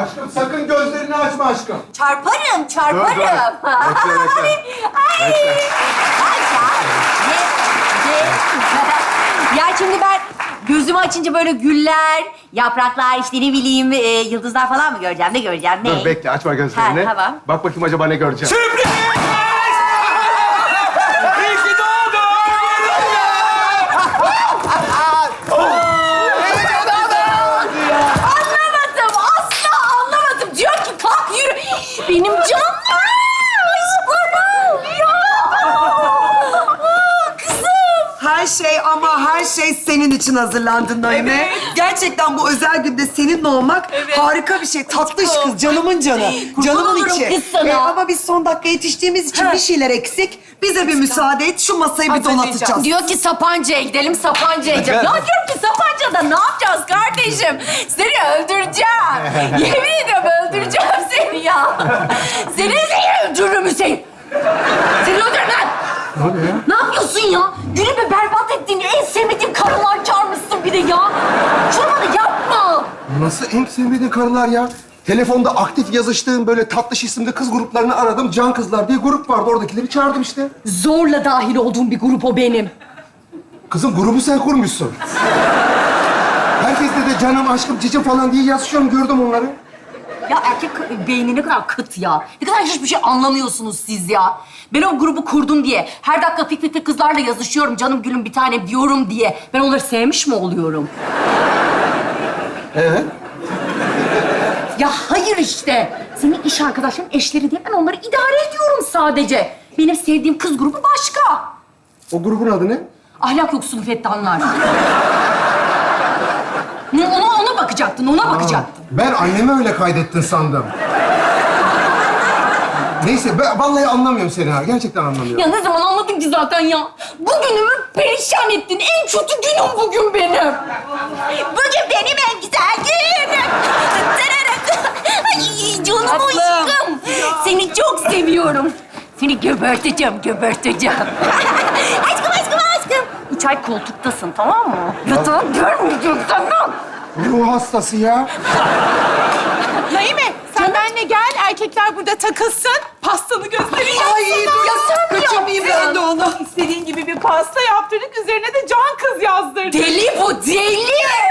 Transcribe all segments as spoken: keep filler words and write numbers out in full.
Aşkım sakın gözlerini açma aşkım. Çarparım, çarparım. Dur, dur. Bekle, bekle. Ay, ay. Ay ya. Ye, ye. Ya şimdi ben gözümü açınca böyle güller, yapraklar, işte ne bileyim e, yıldızlar falan mı göreceğim? Ne göreceğim? Ne? Dur bekle açma gözlerini. Ha, tamam. Bak bakayım acaba ne göreceğim. Sürpriz! İyi ki doğdun! Anlamadım, asla anlamadım. Diyor ki kalk yürü. Benim canım. Aşklarım. Ya. Aa, kızım. Her şey ama her şey senin için hazırlandı Naime. Evet. Gerçekten bu özel günde seninle olmak Evet. harika bir şey. Tatlış kız, canımın canı. Kurban Canımın olurum içi. kız sana. Ee, ama biz son dakika yetiştiğimiz için bir şeyler eksik. Bize bir müsaade et, şu masayı bir Hazırlayacağım. donatacağız. Diyor ki Sapanca'ya gidelim, Sapanca'ya gidelim. Ya diyorum ki Sapanca'da ne yapacağız kardeşim? Seni öldüreceğim. Yemin ediyorum öldüreceğim seni ya. Seni seni öldürürüm Hüseyin. Seni öldürürüm lan. Ne oluyor ya? Ne yapıyorsun ya? Günümü berbat ettiğin en sevmediğim karılar çağırmışsın bir de ya. Şunu bana yapma. Nasıl en sevmediğin karılar ya? Telefonda aktif yazıştığım böyle tatlış isimli kız gruplarını aradım. Can Kızlar diye grup vardı. Oradakileri çağırdım işte. Zorla dahil olduğum bir grup o benim. Kızım grubu sen kurmuşsun. Herkes de canım, aşkım, cicim falan diye yazışıyorum. Gördüm onları. Ya erkek beyni ne kadar kıt ya. Ne kadar hiçbir şey anlamıyorsunuz siz ya. Ben o grubu kurdum diye, her dakika fik fik fik kızlarla yazışıyorum, canım gülüm bir tanem diyorum diye. Ben onları sevmiş mi oluyorum? Evet. Ya hayır işte. Senin iş arkadaşların eşleri diye ben onları idare ediyorum sadece. Benim sevdiğim kız grubu başka. O grubun adı ne? Ahlak yoksunu fettanlar. Ne, ona, ona bakacaktın, ona bakacaktın. Ben annemi öyle kaydettin sandım. Neyse, ben vallahi anlamıyorum seni ha. Gerçekten anlamıyorum. Ya ne zaman anladın ki zaten ya? Bugünümü perişan ettin. En kötü günüm bugün benim. Bugün benim en güzel günüm. Ay canım aşkım. Seni çok seviyorum. Seni göberteceğim, göberteceğim. Aşkım, aşkım, aşkım. Üç ay koltuktasın, tamam mı? Yatağın görmeyeceksin lan. Ruh hastası ya. Naime sen benimle gel. Erkekler burada takılsın. Pastanı göstereyim. Ay dur, Ya sen mi kaçırmayayım ben de onu. İstediğin gibi bir pasta yaptırdık. Üzerine de can kız yazdırdık. Deli bu, deli.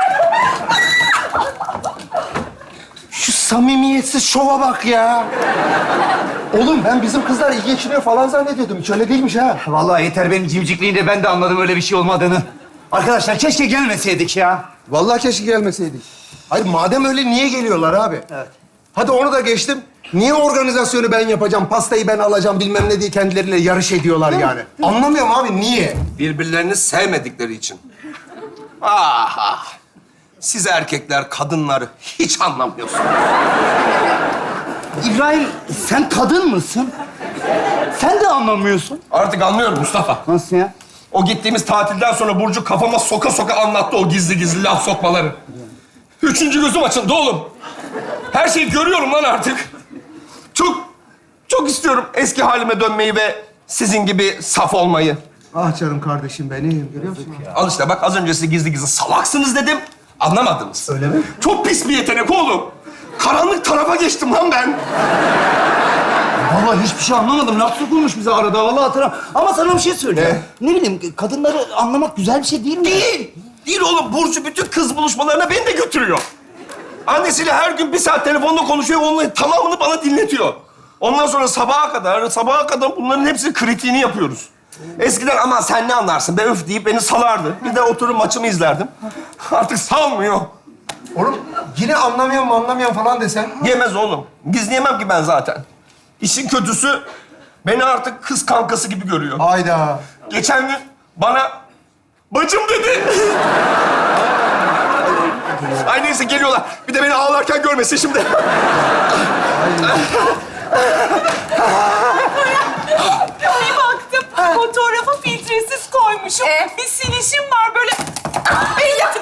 Şu samimiyetsiz şova bak ya. Oğlum ben bizim kızlar iyi geçiniyor falan zannediyordum. Hiç öyle değilmiş ha. Vallahi yeter benim cimcikliğinde ben de anladım öyle bir şey olmadığını. Arkadaşlar keşke gelmeseydik ya. Vallahi keşke gelmeseydik. Hayır madem öyle niye geliyorlar abi? Evet. Hadi onu da geçtim. Niye organizasyonu ben yapacağım, pastayı ben alacağım bilmem ne diye kendileriyle yarış ediyorlar yani. Anlamıyorum abi niye? Birbirlerini sevmedikleri için. Ah ah. Siz erkekler kadınları hiç anlamıyorsunuz. İbrahim sen kadın mısın? Sen de anlamıyorsun. Artık anlıyorum Mustafa. Nasıl ya? O gittiğimiz tatilden sonra Burcu kafama soka soka anlattı o gizli gizli laf sokmaları. Üçüncü gözüm açıldı oğlum. Her şeyi görüyorum lan artık. Çok, çok istiyorum eski halime dönmeyi ve sizin gibi saf olmayı. Ah canım kardeşim benim, görüyor musun? Al işte bak az önce size gizli gizli salaksınız dedim. Anlamadınız. Öyle mi? Çok pis bir yetenek oğlum. Karanlık tarafa geçtim lan ben. Vallahi hiçbir şey anlamadım. Laf sokulmuş bize arada. Vallahi hatırlamıyorum. Ama sana bir şey söyleyeyim. Ne? bileyim, kadınları anlamak güzel bir şey değil mi? Değil. Değil oğlum. Burcu bütün kız buluşmalarına beni de götürüyor. Annesiyle her gün bir saat telefonda konuşuyor. Onun tamamını bana dinletiyor. Ondan sonra sabaha kadar, sabaha kadar bunların hepsi kritiğini yapıyoruz. Eskiden ama sen ne anlarsın be öf deyip beni salardı. Bir de oturup maçımı izlerdim. Artık salmıyor. Oğlum yine anlamıyorum anlamıyorum falan desen. Yemez oğlum. Gizleyemem ki ben zaten. İşin kötüsü beni artık kız kankası gibi görüyor. Hayda. Geçen gün bana bacım dedi. Ay neyse geliyorlar. Bir de beni ağlarken görmesin şimdi. Bir baktım fotoğrafı filtresiz koymuşum. Bir silişim var böyle. Ay ya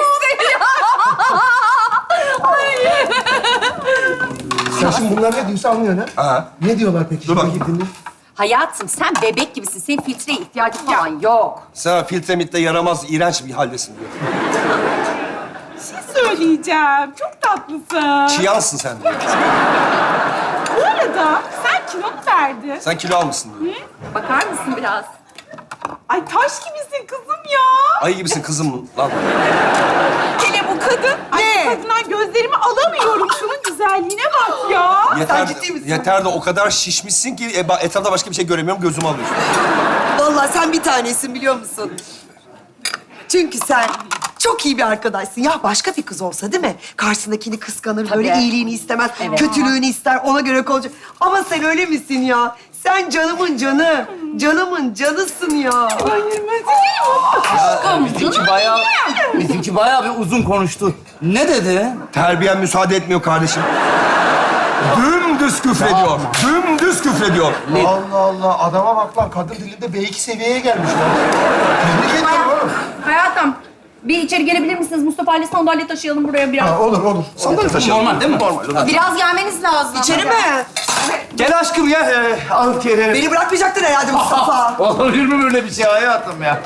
Sen şimdi bunlar ne diyorsa anlıyorsun ha? Ha. Ne diyorlar peki? Dur Şimdi bakayım. gittiğinde? Hayatım sen bebek gibisin. Senin filtreye ihtiyacın falan yok. Sen filtre mitle yaramaz, iğrenç bir haldesin diyor. Bir şey söyleyeceğim. söyleyeceğim. Çok tatlısın. Çiyansın sen de. Bu arada sen kilo mu verdin? Sen kilo almışsın diyor. Bakar mısın biraz? Ay taş gibisin kızım ya. Ayı gibisin kızım lan. Hele bu kadın. Ay Ne? bu kadından gözlerimi alamıyorum. Şunun güzelliğine bak ya. Yeter, ciddi misin? yeter de o kadar şişmişsin ki e, ba- etrafta başka bir şey göremiyorum, gözümü alıyorsun. Vallahi sen bir tanesin biliyor musun? Çünkü sen çok iyi bir arkadaşsın. Ya başka bir kız olsa değil mi? Karşısındakini kıskanır, böyle Tabii. iyiliğini istemez, Evet. kötülüğünü ister, ona göre konuşur. Ama sen öyle misin ya? Sen canımın canı, canımın canısın ya. Aşkım, Bizimki canım bayağı, benim. bizimki bayağı bir uzun konuştu. Ne dedi? Terbiyen müsaade etmiyor kardeşim. Dümdüz küfrediyor. Dümdüz küfrediyor. Allah Allah, adama bak lan. Kadın dilinde B iki seviyeye gelmiş lan. Tebrik ederim oğlum. Hayatım, bir içeri gelebilir misiniz? Mustafa ile sandalye taşıyalım buraya biraz. Ha, olur, olur. Sandalye taşıyalım. Normal değil mi? Normal. Biraz gelmeniz lazım. İçeri mi? Gel aşkım ya. Ee, al gel. Beni bırakmayacaktın herhalde Mustafa. Olur mu böyle bir şey hayatım ya?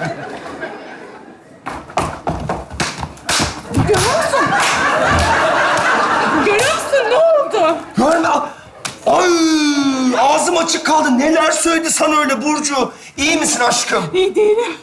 Görüyor musun ne oldu? Görme. Ay, ağzım açık kaldı. Neler söyledi sana öyle Burcu? İyi misin aşkım? İyi değilim.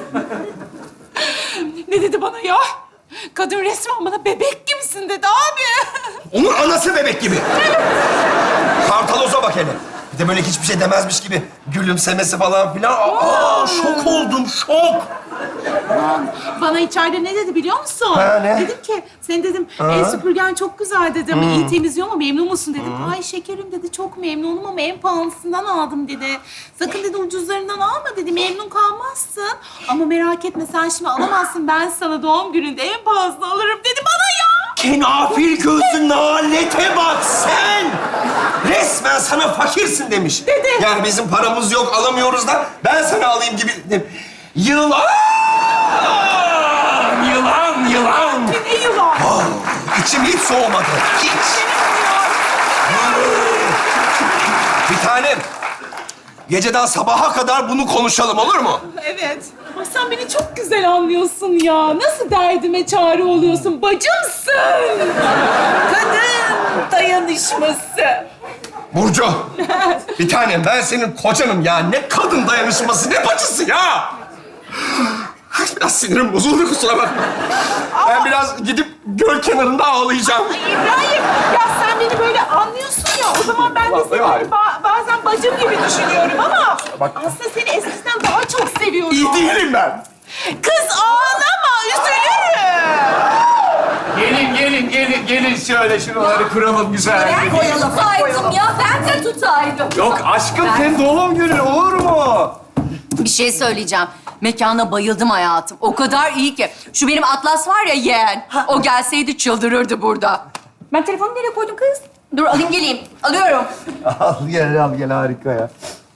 Ne dedi bana ya? Kadın resmen bana bebek gibisin dedi abi. Onun anası bebek gibi. Kartaloz'a bak hele. Bir de böyle hiçbir şey demezmiş gibi gülümsemesi falan filan. Aa, şok oldum, şok. Bana içeride ne dedi biliyor musun? Ha, ne? Dedim ki, senin dedim el süpürgen çok güzel dedim. İyi temizliyor mu, memnun musun dedim. Ay şekerim dedi, çok memnunum ama en pahalısından aldım dedi. Sakın dedi ucuzlarından alma dedi, memnun kalmazsın. Ama merak etme sen şimdi alamazsın, ben sana doğum gününde en pahalısını alırım dedi bana ya. Kenafir gözlü nalete bak sen! Resmen sana fakirsin demiş. Dedi. Yani bizim paramız yok, alamıyoruz da ben sana alayım gibi. Yılan! Yılan, yılan! Ne yılan? Ah, içim hiç soğumadı. Hiç. Bir tanem. Geceden sabaha kadar bunu konuşalım, olur mu? Evet. Ay sen beni çok güzel anlıyorsun ya. Nasıl derdime çare oluyorsun? Bacımsın. Kadın dayanışması. Burcu, bir tanem ben senin kocanım ya. Ne kadın dayanışması, ne bacısı ya? Biraz sinirim bozuldu, kusura bakma. Ben biraz gidip göl kenarında ağlayacağım. Ay İbrahim, ya sen beni böyle anlıyorsun ya. O zaman ben de seni Vallahi ba- bazen bacım gibi düşünüyorum ama aslında seni eskiden daha çok seviyorum. İyi değilim ben. Kız ağlama, üzülürüm. Gelin, gelin, gelin, gelin şöyle şuraları kuralım güzel. Ben de tutaydım ya, ben de tutaydım. Yok aşkım senin doğum günün olur mu? Bir şey söyleyeceğim. Mekana bayıldım hayatım. O kadar iyi ki. Şu benim Atlas var ya yeğen. O gelseydi çıldırırdı burada. Ben telefonu nereye koydum kız? Dur alayım geleyim. Alıyorum. Al gel, al gel harika ya.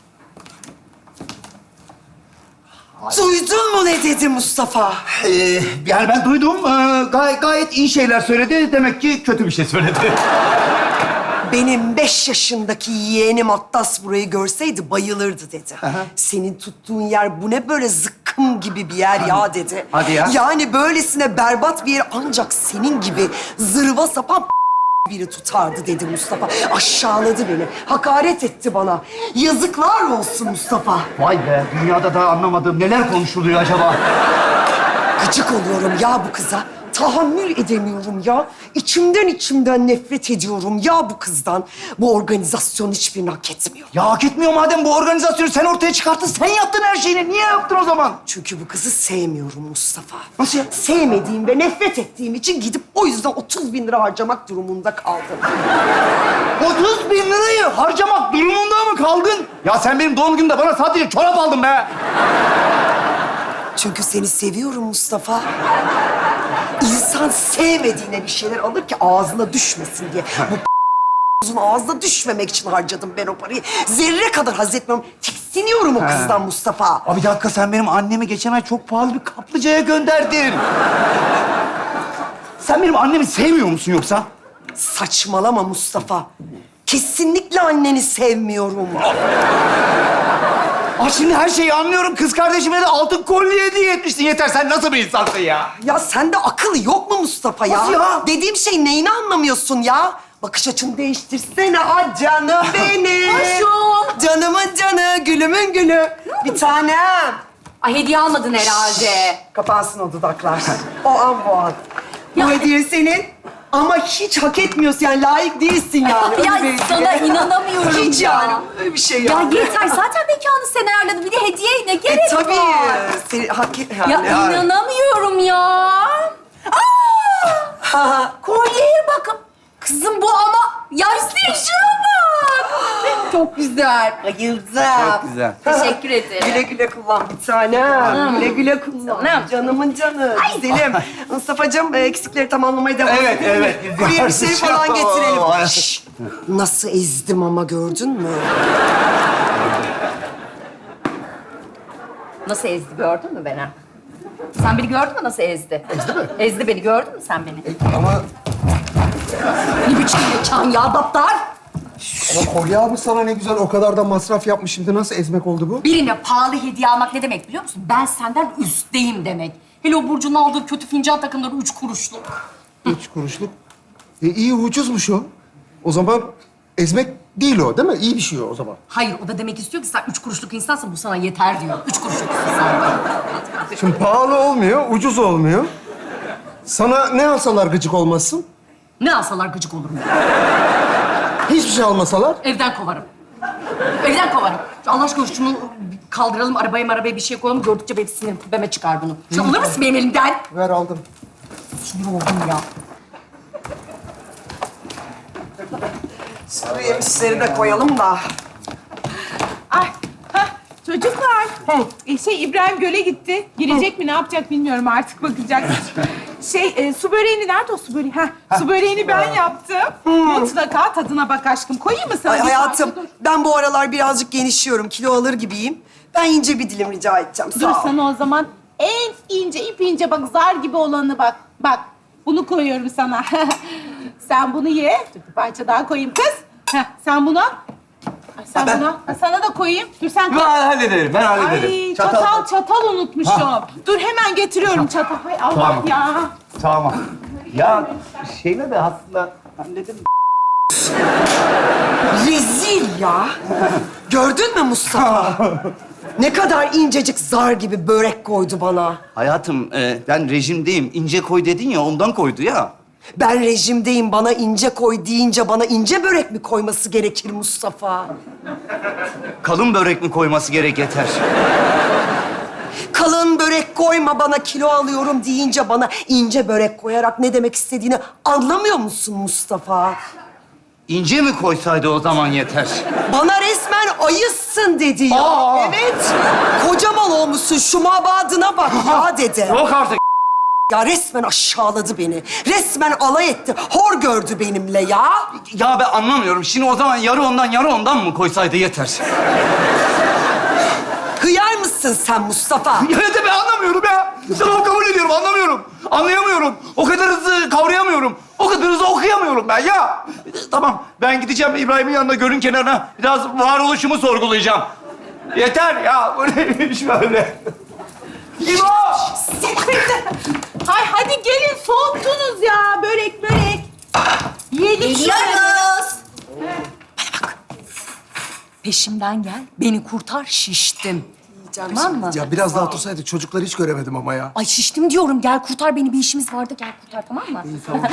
Duydun mu ne dedi Mustafa? Ee, yani ben duydum. Ee, gay- gayet iyi şeyler söyledi. Demek ki kötü bir şey söyledi. Benim beş yaşındaki yeğenim Atlas burayı görseydi bayılırdı dedi. Senin tuttuğun yer bu ne böyle zıkkım gibi bir yer ya dedi. Hadi ya. Yani böylesine berbat bir yer ancak senin gibi zırva sapan biri tutardı dedi Mustafa. Aşağıladı beni, hakaret etti bana. Yazıklar olsun Mustafa. Vay be, dünyada daha anlamadığım neler konuşuluyor acaba? Gıcık oluyorum ya bu kıza. Tahammül edemiyorum ya. İçimden içimden nefret ediyorum ya bu kızdan. Bu organizasyon hiçbirini hak etmiyor. Ya hak etmiyor madem bu organizasyonu sen ortaya çıkarttın. Sen yaptın her şeyini. Niye yaptın o zaman? Çünkü bu kızı sevmiyorum Mustafa. Nasıl ya? Sevmediğim ve nefret ettiğim için gidip o yüzden otuz bin lira harcamak durumunda kaldım. otuz bin lirayı harcamak durumunda mı kaldın? Ya sen benim doğum günümde bana sadece çorap aldın be. Çünkü seni seviyorum Mustafa. İnsan sevmediğine bir şeyler alır ki ağzına düşmesin diye. Bu uzun ağzına düşmemek için harcadım ben o parayı. Zerre kadar haz etmiyorum. Tiksiniyorum o kızdan Mustafa. Abi bir dakika sen benim annemi geçen ay çok pahalı bir kaplıcaya gönderdin. Sen benim annemi sevmiyor musun yoksa? Saçmalama Mustafa. Kesinlikle anneni sevmiyorum. Ay şimdi her şeyi anlıyorum. Kız kardeşime de altın kolye hediye etmiştin. Yeter, sen nasıl bir insansın ya? Ya sende akıl yok mu Mustafa ya? Nasıl ya? Dediğim şey neyini anlamıyorsun ya? Bakış açını değiştirsene ah canım benim. Hoşum. Canımın canı, gülümün gülü. Bir tanem. Ay hediye almadın herhalde. Kapansın o dudaklar. O an bu an. Bu hediye senin ama hiç hak etmiyorsun yani layık değilsin yani. Öyle Ya bir sana hediye. inanamıyorum Hiç ya. yani öyle bir şey Ya yani. yeter zaten mekanı sen ayarladın. Bir de hediye ne gerek E tabii. var? Seni hak et yani. Ya inanamıyorum ya. Aa! Kolyeye bakın. Kızım bu ama yaşlı şuna bak. Çok güzel. Bayıldım. Çok güzel. Teşekkür ederim. Güle güle kullan bir tanem. Güle güle kullan. Canım. Canımın canı. Güzelim. Mustafa'cığım e, eksikleri tamamlamaya devam Evet, edelim mi? evet. Buraya bir şey falan getirelim. Ay. Şşş! Nasıl ezdim ama gördün mü? Nasıl ezdi gördün mü beni? Sen beni gördün mü nasıl ezdi? Ezdi mi? Ezdi beni gördün mü sen beni? Ama, Ne biçim mekan ya daptar? ama kolye almış sana ne güzel. O kadar da masraf yapmış. Şimdi nasıl ezmek oldu bu? Birine pahalı hediye almak ne demek biliyor musun? Ben senden üstteyim demek. Hele o Burcu'nun aldığı kötü fincan takımları üç kuruşluk. Üç kuruşluk. E, iyi ucuzmuş o. O zaman ezmek değil o değil mi? İyi bir şey o, o zaman. Hayır, o da demek istiyor ki sen üç kuruşluk insansın, bu sana yeter diyor. Üç kuruşluk insan. Şimdi pahalı olmuyor, ucuz olmuyor. Sana ne alsalar gıcık olmazsın? Ne alsalar gıcık olurum. Hiçbir şey almasalar? Evden kovarım. Evden kovarım. Allah aşkına şunu kaldıralım, arabaya arabaya bir şey koyalım. Gördükçe benim sinirim tepeme çıkar bunu. Şu alır mısın benim elimden? Ver aldım. Sinir oldum ya. Sarı yemişleri de koyalım da. Ay, hah, çocuklar. E, şey İbrahim göle gitti. Girecek mi ne yapacak bilmiyorum artık bakacak. Şey e, su böreğini nerede o su böreği? Heh, su böreğini ben yaptım. Mutlaka tadına bak aşkım. Koyayım mı sana? Ay bir hayatım parça? Dur. ben bu aralar birazcık genişliyorum. Kilo alır gibiyim. Ben ince bir dilim rica edeceğim. Dur Sağ ol. sana o zaman en ince, ip ince bak zar gibi olanı bak. Bak bunu koyuyorum sana. Sen bunu ye. Dur bir parça daha koyayım kız. Heh, sen bunu al. Ay, sen ben- bunu al. Ha, sana da koyayım. Dur sen koy. Ben hallederim, ben hallederim. Ay çatal, çatal, unutmuşum. Dur hemen getiriyorum çatal. Hay Allah Tamam. ya. Tamam. Ya şeyle de aslında halledim. Rezil ya. Gördün mü Mustafa? Ne kadar incecik zar gibi börek koydu bana. Hayatım, e, ben rejimdeyim. İnce koy dedin ya, ondan koydu ya. Ben rejimdeyim, bana ince koy deyince bana ince börek mi koyması gerekir Mustafa? Kalın börek mi koyması gerek yeter. Kalın börek koyma bana, kilo alıyorum deyince bana ince börek koyarak ne demek istediğini anlamıyor musun Mustafa? İnce mi koysaydı o zaman yeter. Bana resmen ayısın dedi ya. Aa! Evet. Kocaman olmuşsun, şu mabadına bak ya dedi. Yok artık. Ya resmen aşağıladı beni. Resmen alay etti. Hor gördü benimle ya. Ya ben anlamıyorum. Şimdi o zaman yarı ondan yarı ondan mı koysaydı yeter. Hıyar mısın sen Mustafa? Evet ben anlamıyorum ya. Tamam kabul ediyorum, anlamıyorum. Anlayamıyorum. O kadar hızlı kavrayamıyorum. O kadar hızlı okuyamıyorum ben ya. Tamam, ben gideceğim İbrahim'in yanına, gölün kenarına. Biraz varoluşumu sorgulayacağım. Yeter ya. Bu neymiş böyle? İbo! Hay hadi gelin soğuttunuz ya börek börek. Yiyelim şöyle. Geliyoruz. Peşimden gel, beni kurtar, şiştim. Tamam mı? Ya biraz daha otursaydık. Çocukları hiç göremedim ama ya. Ay şiştim diyorum, gel kurtar beni, bir işimiz vardı, gel kurtar, tamam mı?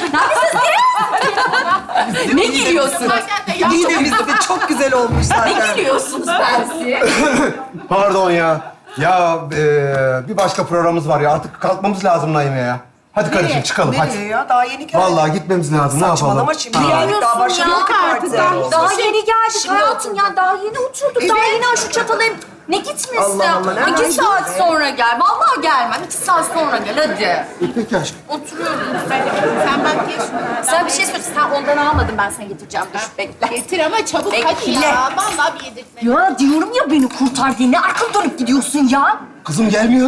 Neredesiniz? Ne gülüyorsunuz? Midemiz de çok güzel olmuş Ne zaten. gülüyorsunuz bensi? Pardon ya. Ya e, bir başka programımız var ya. Artık kalkmamız lazım Naime ya. Hadi kardeşim çıkalım Nereye hadi. ya? Daha yeni geldik. Vallahi gitmemiz lazım. Ne yapalım? Saçmalama şimdi Ne geldik. Daha diyorsun başlamadık ya? artık. Daha- Daha yeni geldik Şimdi hayatım ya, daha yeni oturduk, daha yeni şu çatalı hem... Ne gitmesi? Allah Allah, ne İki var? saat sonra gel, vallahi gelmem, iki saat sonra gel, hadi. E, peki aşkım. Oturuyoruz. Sen bak ye şunu. Sen bir şey söyle, sen ondan almadın, ben sana getireceğim, dur bekle. Getir ama çabuk Bekle. hadi ya. Vallahi bir yedirtme. Ya diyorum ya beni kurtar diye, ne arkamı dönüp gidiyorsun ya? Kızım gelmiyorsun.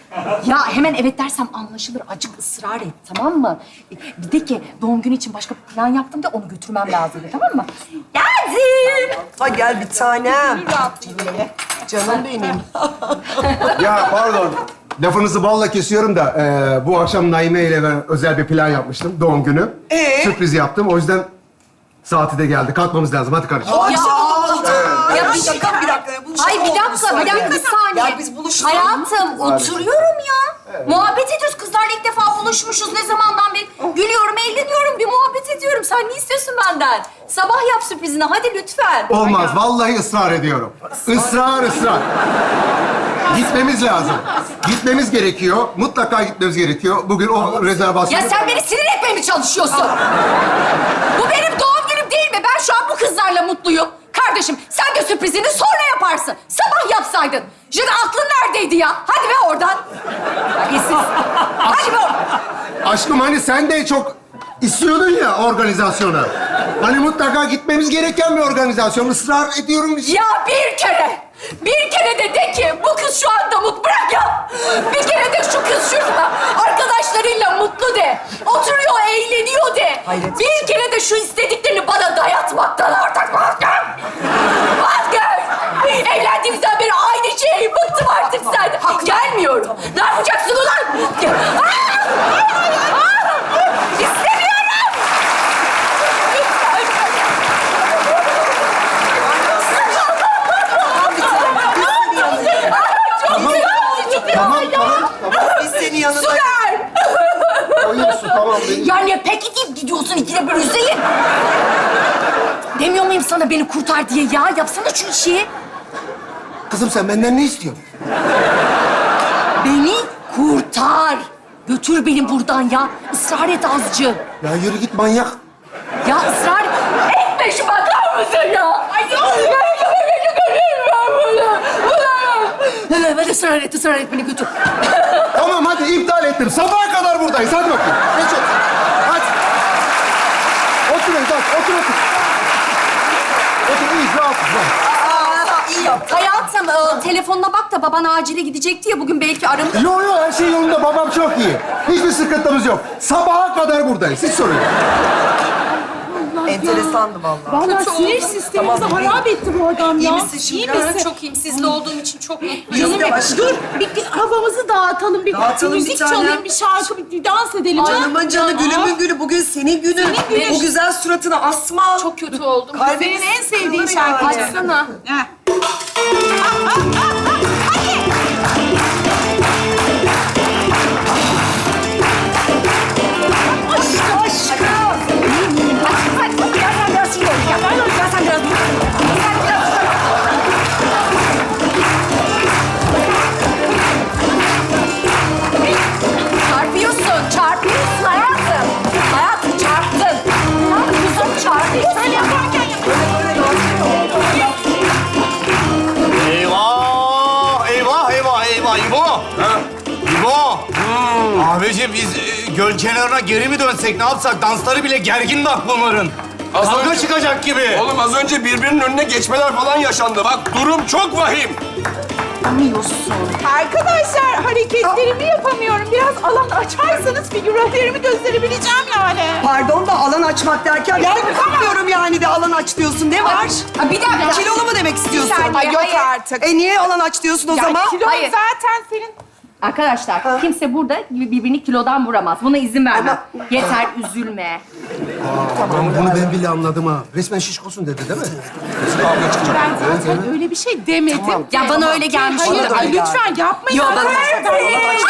Ya hemen evet dersem anlaşılır. Acık ısrar et, tamam mı? Bir de ki doğum günü için başka bir plan yaptım da onu götürmem lazım, tamam mı? Geldim. Ha gel bir tanem. Canım benim. Ya pardon. Lafınızı balla kesiyorum da e, bu akşam Naime ile ben özel bir plan yapmıştım. Doğum günü. Ee? Sürpriz yaptım. O yüzden saati de geldi. Kalkmamız lazım. Hadi kardeşim. Akşam oldu. Ya Ya bir bir dakika, bir dakika. Bu Ay şaka bir oldu dakika, bir saniye. dakika bir saniye. Ya biz buluştuk. Hayatım, oturuyorum ya. Muhabbet ediyoruz. Kızlarla ilk defa buluşmuşuz. Ne zamandan beri gülüyorum, eğleniyorum, bir muhabbet ediyorum. Sen ne istiyorsun benden? Sabah yap sürprizini, hadi lütfen. Olmaz. Vallahi ısrar ediyorum. Israr, ısrar. Gitmemiz lazım. Gitmemiz gerekiyor. Mutlaka gitmemiz gerekiyor. Bugün o rezervasyonu... Ya sen beni sinir etmeye mi çalışıyorsun? Bu benim doğum günüm değil mi? Ben şu an bu kızlarla mutluyum. Kardeşim, sen de sürprizini sonra yaparsın. Sabah yapsaydın. Şimdi aklın neredeydi ya? Hadi be oradan. Terbiyesiz. Hadi be oradan. Aşkım hani sen de çok istiyordun ya organizasyonu. Hani mutlaka gitmemiz gereken bir organizasyon. Israr ediyorum. Ya bir kere, bir kere de de ki bu kız şu anda mutlu. Bırak ya. Bir kere de şu kız şurada arkadaşlarıyla mutlu de. Oturuyor, eğleniyor de. Hayret. Bir kere de şu istediklerini bana dayatmaktan artık vazgeç. Vazgeç. Evlendiğimizden beri aynı şeyi bıktım artık senden. Gelmiyorum. Ne yapacaksın ulan? Aa! Aa! İstemiyorum. Tamam, tamam, tamam, tamam. Biz senin yanına... Su ver. Koyun su, tamam. Benim. Ya ne peki deyip gidiyorsun ikide bir Hüseyin? Demiyor muyum sana beni kurtar diye ya? Yapsana şu işi. Kızım sen benden ne istiyorsun? Beni kurtar. Götür beni buradan ya. Israr et azıcık. Ya yürü git manyak. Ya ısrar etme şu bakar mısın ya? Ay yok. Ben ben ısrar et, ısrar et beni götür. Tamam hadi iptal ettim. Sabaha kadar buradayız. Hadi bakayım. Geç otur. Hadi. Oturun, hadi. Otur, otur. Otur, iyiyiz. Rahatız. rahat. Aa, iyi yaptın. Hayatım, e, telefonuna bak da baban acile gidecekti ya bugün belki aramız... Yo yo her şey yolunda. Babam çok iyi. Hiçbir sıkıntımız yok. Sabaha kadar buradayız. Hiç sorun yok. Enteresandı vallahi. Vallahi sinir sistemimizi Tamam, harap etti bu adam ya. İyi misin şimdi? İyi misin? Çok iyiyim. Sizle olduğum için çok mutluyum. Canım Yok, benim. aşkım. Dur, bir, bir havamızı dağıtalım, bir, Dağıtalım bir bir müzik tane. çalayım, bir şarkı, bir, bir dans edelim. Canımın canı, günümün günü. Bugün senin günün. Senin günün. O güzel suratını asma. Çok kötü oldum. Kalbimiz Senin en sevdiğin kırılır şarkı. yani. Açsana. Heh. Aşkım, aşkım. Hadi, hadi, gel sen biraz şuraya. Gel, gel sen biraz. Gel biraz. Çarpıyorsun, çarpıyorsun hayatım. Hayatım çarptın. Ya kuzum çarpıyorsun. Sen yaparken Eyvah! Eyvah, eyvah, eyvah. İbo! Ha? İbo! Abicim biz e, göl kenarına geri mi dönsek, ne yapsak? Dansları bile gergin bak bunların. Az Kavga önce- çıkacak gibi. Oğlum az önce birbirinin önüne geçmeler falan yaşandı. Bak durum çok vahim. Arkadaşlar hareketlerimi yapamıyorum. Biraz alan açarsanız figürlerimi gösterebileceğim yani. Pardon da alan açmak derken ben kalkmıyorum yani de alan aç diyorsun. Ne var? Ha, bir dakika. Kilolu mu demek istiyorsun? saniye, Ay, yok hayır. artık. E niye alan aç diyorsun o Ya zaman? kilo Hayır. zaten senin... Arkadaşlar, kimse burada birbirini kilodan vuramaz. Buna izin vermem. Yeter, üzülme. Tamam, bunu ben bile anladım ha. Resmen şişkosun dedi değil mi? Kavga çıkacak. Ben zaten öyle bir şey demedim. Ya bana öyle gelmiş. Hayır, Bana da ay, öyle lütfen yapmayın. Yok, bana- arkadaşlar. Ben alan aç-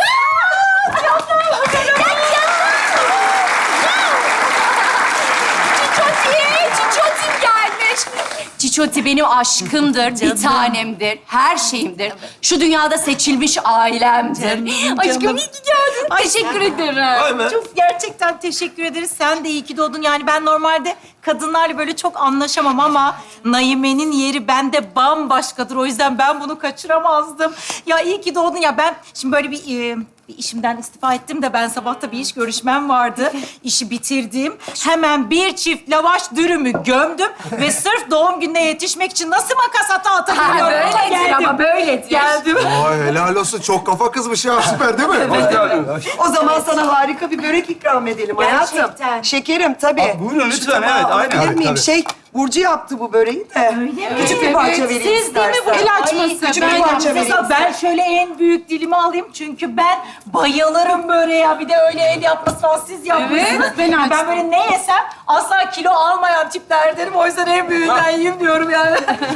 Çiçoti, Çiçotim gelmiş. Çiçoti benim aşkımdır, bir tanemdir, her şeyimdir. Şu dünyada seçilmiş ailemdir. Aşkım iyi ki geldin. Teşekkür ederim. Çok gerçekten teşekkür ederiz. Sen de iyi ki doğdun. Yani ben normalde kadınlarla böyle çok anlaşamam ama Naime'nin yeri bende bambaşkadır. O yüzden ben bunu kaçıramazdım. Ya iyi ki doğdun. Ya ben şimdi böyle bir e, bir işimden istifa ettim de ben sabahta bir iş görüşmem vardı. İşi bitirdim. Hemen bir çift lavaş dürümü gömdüm ve sırf doğum gününe yetişmek için nasıl makas hata Ha, atabiliyorum? böyledir ama böyledir. Geldim. Ay helal olsun. Çok kafa kızmış ya. Süper değil mi? O zaman sana harika bir börek ikram edelim hayatım. Gerçekten. Şekerim tabii. Aa, buyurun Şu lütfen, tabağı evet, aynen. alabilir Tabii, miyim? tabii. Şey, Burcu yaptı bu böreği de. Küçük bir parça vereyim Siz değil mi bu istersen. el açması? küçük Ben bir parça yaptım. vereyim. Mesela ben şöyle en büyük dilimi alayım çünkü ben bayılırım böreğe. Bir de öyle el yapması falan siz yapmışsınız. Evet, ben açtım. Ben böyle ne yesem asla kilo almayan tiplerdenim. O yüzden en büyüğünden yiyeyim diyorum yani.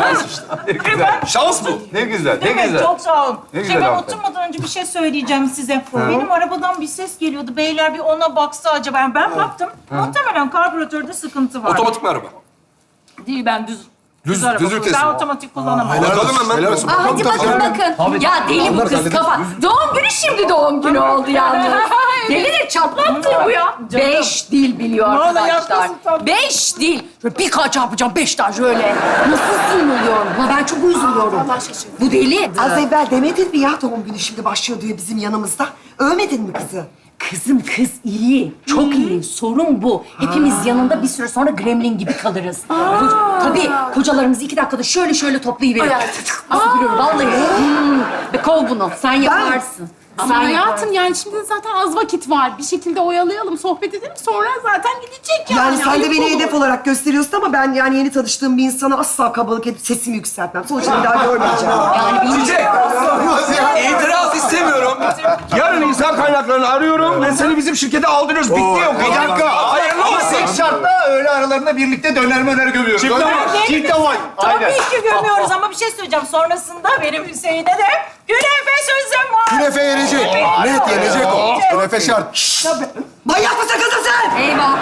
Şans bu. Ne güzel, ne Değil mi? güzel. Çok sağ olun. Ne Şey, güzel ben hakikaten. oturmadan önce bir şey söyleyeceğim size. Benim arabadan bir ses geliyordu. Beyler bir ona baksa acaba. Yani ben baktım. Muhtemelen karbüratörde sıkıntı var. Otomatik mi araba? Değil, ben düz. Düz- araba düz vites Ben mi? otomatik kullanamam. Helal Bakalım olsun. hemen. Helal olsun. Aa, hadi Bakalım, bakın tabii. bakın. Ya deli bu Onlar kız hallederiz. kafa. Doğum günü şimdi doğum günü oldu yalnız. Delidir çatlattı bu ya. Beş dil biliyor Vallahi arkadaşlar. yapmasın tabii. Beş dil. Şöyle birkaç yapacağım, beş tane şöyle. Nasıl sinirliyorum? Ha ben çok üzülüyorum. Bu deli. Az evvel demedin mi ya doğum günü şimdi başlıyor diyor bizim yanımızda. Övmedin mi kızı? Kızım kız iyi, çok iyi. Sorun bu. Hepimiz yanında bir süre sonra gremlin gibi kalırız. Ko- Tabii kocalarımızı iki dakikada şöyle şöyle toplayıverir. Nasıl biliyorum vallahi. Hmm. Ve kov bunu, sen yaparsın. Ama Sen hayatım yani şimdi zaten az vakit var. Bir şekilde oyalayalım, sohbet edelim. Sonra zaten gidecek yani. Yani sen de Ayıp beni olur. hedef olarak gösteriyorsun ama ben yani yeni tanıştığım bir insana asla kabalık edip sesimi yükseltmem. Sonuçta bir daha görmeyeceğim. Yani benim Çiçek, Olmaz ya. itiraz istemiyorum. Yarın insan kaynaklarını arıyorum ve seni bizim şirkete aldırıyoruz. Bitti yok. Bir dakika. Hayırlı Ama olsun. tek şartla öğle aralarında birlikte döner möner gömüyoruz. Çift Öyle mi? ama. Çift ama. Tabii ki gömüyoruz ama bir şey söyleyeceğim. Sonrasında benim Hüseyin'e de künefe sözüm var. Künefe yenecek. Net yenecek o. Künefe şart. Manyak mısın kızım sen? Eyvah.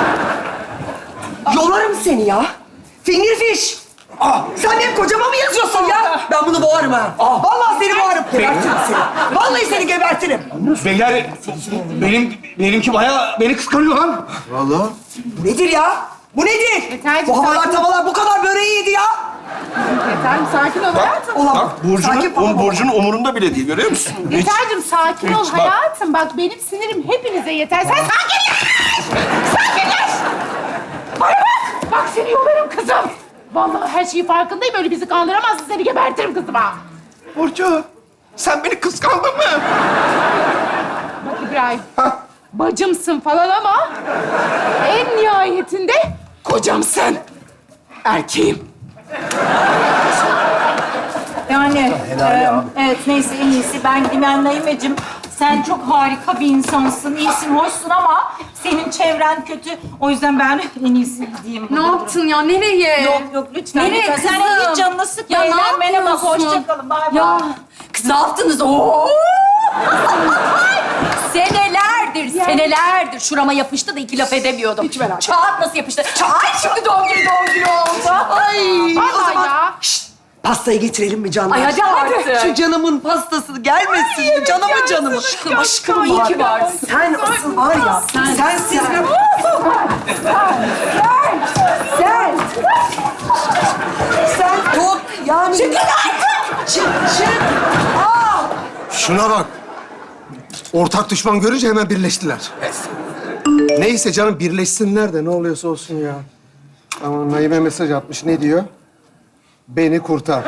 Yolarım seni ya. Finger fish. Ah, sen benim kocama mı yazıyorsun ya? Ben bunu boğarım ha. Vallahi seni boğarım. Gebertirim seni. Vallahi seni gebertirim. Beyler, benim, benimki bayağı beni kıskanıyor lan. Vallahi. Bu nedir ya? Bu nedir? Yeterci, Bu havalar sakin ol. tavalar bu kadar böreği yedi ya. Yeter'cim sakin ol hayatım. Ulan Bak sakin Burcu'nun, falan ol. Burcu'nun umurunda bile değil, görüyor musun? Yeter'cim sakin ol hiç bak. hayatım. Bak benim sinirim hepinize yeter. Sen sakinleş! Sakinleş! Bana bak! Bak seni yolarım kızım. Vallahi her şeyi farkındayım. Öyle bizi kandıramazsın. Seni gebertirim kızım ha. Burcu, sen beni kıskandın mı? Bak İbrahim. Bacımsın falan ama en nihayetinde kocamsın. Erkeğim. Yani e, evet neyse en iyisi ben gideyim. Yani Naimeciğim sen çok harika bir insansın, iyisin, hoşsun ama senin çevren kötü. O yüzden ben en iyisi gideyim. Ne yaptın ya? Nereye? Yok yok lütfen. Nereye lütfen. Sen kızım? hiç canını sıkma. Ya ne Eğlenmene bak. yapıyorsun? Hoşça kalın. Bay bay. Ya kız ne yaptınız? Oo! Senelerdir, senelerdir şurama yapıştı da iki laf edemiyordum. Hiç merak Çağat nasıl yapıştı? Ay şimdi doğum günü doğum günü oldu. Ay. Vallahi ya. Pastayı getirelim mi canım? Ay hadi artık. Şu canımın pastası gelmesin mi? Canımın canım. Aşkım, aşkım İyi var. ki varsın. Sen asıl var ya, Sen- sensiz bir... Sen! Sen çok yani... Çıkın artık! Çık, çık! Aa! Şuna bak. Ortak düşman görünce hemen birleştiler. Neyse canım birleşsinler de ne oluyorsa olsun ya. Ama Naime mesaj atmış. Ne diyor? Beni kurtar.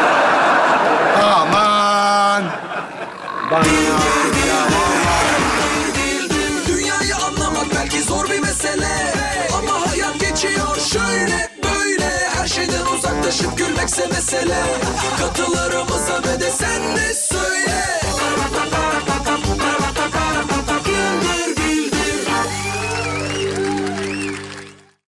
Aman! Bana ne yaptın ya? Dünyayı anlamak belki zor bir mesele, ama hayat geçiyor şöyle böyle. Her şeyden uzaklaşıp gülmekse mesele. Katılarımıza ve de sen de